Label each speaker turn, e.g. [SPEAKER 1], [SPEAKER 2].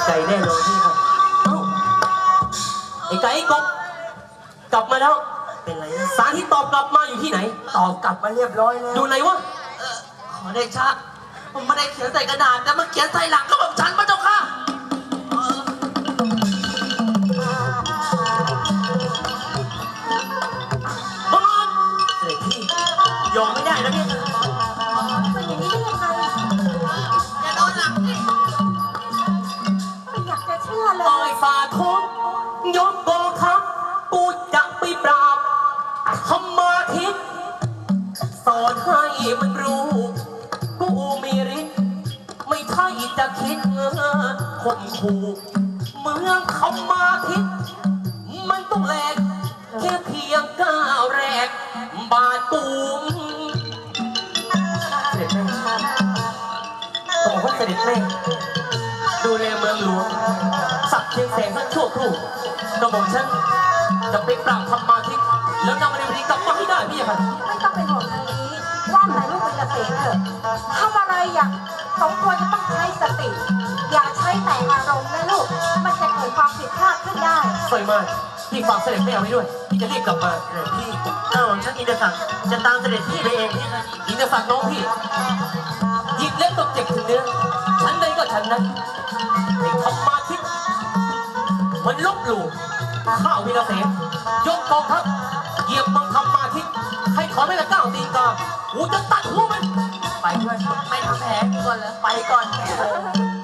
[SPEAKER 1] ใจแน่นอนพี่ครับเอ้าไอ้ไก่ไอ้กบกลับมาแล้วเป็นไรสารที่ตอบกลับมาอยู่ที่ไหนตอบกลับมาเรียบร้อยแล้วอยู่ไหนวะ
[SPEAKER 2] ขอเดชะผมไม่ได้เขียนใส่กระดาษแต่มันเขียนใส่หลังก็แบบฉันพระเจ้าค่ะ
[SPEAKER 1] บอลเสด็จพี่ยอมไม่ได้แล้วเนี่ย
[SPEAKER 3] เป็นอย่างนี้ได้ยังไง
[SPEAKER 2] อย่าโดนหลังดิ
[SPEAKER 3] ไม่อยากจะเชื่อเล
[SPEAKER 1] ต่อย ยฝ่าท้องยกกองทัพปูจะไปปราบธรรมาทิตสอนให้มันรู้กูมีฤทธิ์ไม่ใช่จะคิดข่มขู่เมืองธรรมาทิตมันต้องแหลกแค่เพียงก้าวแรกบาดตูมเสด็จแม่ต้องบอกว่าเสด็จแม่ดูแลเมืองหลวงสักเพียงแสงสักชั่วครู่กระหม่อมฉันจะไปปราบธรรมาทิตแล้วนำมาในวันนี้กลับมาให้ได้พี่ค่ะ
[SPEAKER 3] ไม่ต้องเป็นห่วงทางนี้ว่าแต่ลูกเป็นเกษตรเถอะทำอะไรอย่างสมควรจะต้องใช้สติ อย่าใช้แต่อารมณ์นะลูกมันจะเกิดความผิดพลาดขึ้นได้
[SPEAKER 1] สวยมากพี่ฝากเสด็จแม่เอาไว้ด้วยพี่จะรีบกลับมาเสด็จพี่ฉันอินทศักดิ์จะตามเสด็จพี่ไปเองพี่นะอินทศักดิ์น้องพี่หยิบเล็บตกเจ็บถึงเนื้อฉันใดก็ฉันนั้นไอ้ธรรมาทิตมันลบหลู่ข้าววินาเสนยกกองทัพเหยียบมังธรรมาทิตให้ถอนไม่กระก้าวตีกากูจะตัดหัวมันไปด้วย
[SPEAKER 2] ไปทำแผลก่อนเลย
[SPEAKER 1] ไปก่อน